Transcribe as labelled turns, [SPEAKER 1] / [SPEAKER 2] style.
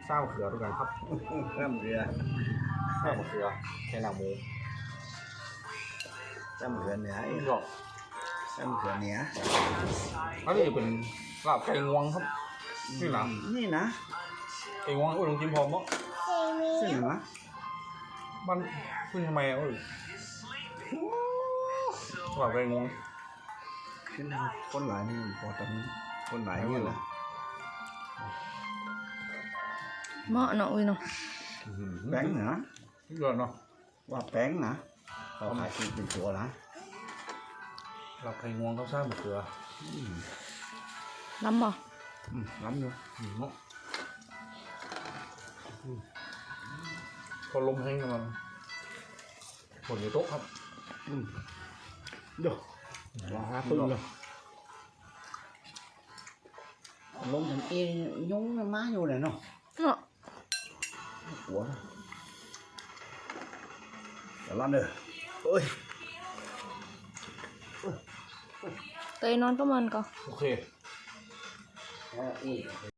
[SPEAKER 1] sao một cửa tôi cần hấp
[SPEAKER 2] Răm rửa.
[SPEAKER 1] sao một cửa cái nào mù
[SPEAKER 2] Răm rửa nè.
[SPEAKER 1] rồi
[SPEAKER 2] Răm rửa nè.
[SPEAKER 1] อันนี้เป็นลาบไก่งวงครับนี่นะ
[SPEAKER 2] นี่นะ
[SPEAKER 1] ไก่งวงอุ้ยลองจิ้มพร้อมมั้ง
[SPEAKER 2] ซึ่งเหรอ
[SPEAKER 1] มันขึ้นทำไมอ่ะอุ้ยลาบไก่งวง
[SPEAKER 2] ขึ้นคนหลายนี่พอตอนนี้คนหลายนี่แหละ
[SPEAKER 3] เหมาะเนาะอุ้ยเนาะ
[SPEAKER 2] แป้งเหรอ
[SPEAKER 1] เยอะเนาะ
[SPEAKER 2] ว่าแป้งนะเราขายเป็นตัวละ
[SPEAKER 1] ลาบไก่งวงเขาสร้างมะเขือ
[SPEAKER 3] ล้ำบ่
[SPEAKER 2] ล้ำอยู่
[SPEAKER 1] เนาะพอลมแห้งกันมันฝนอยู่โต๊ะครับ
[SPEAKER 2] เดี๋ยวว่าปึ้งเลยลงthành e nhúng nó má vô này nó
[SPEAKER 3] เนาะ
[SPEAKER 2] của làm được ôi
[SPEAKER 3] เตยนอนก็มันก็
[SPEAKER 1] โอเค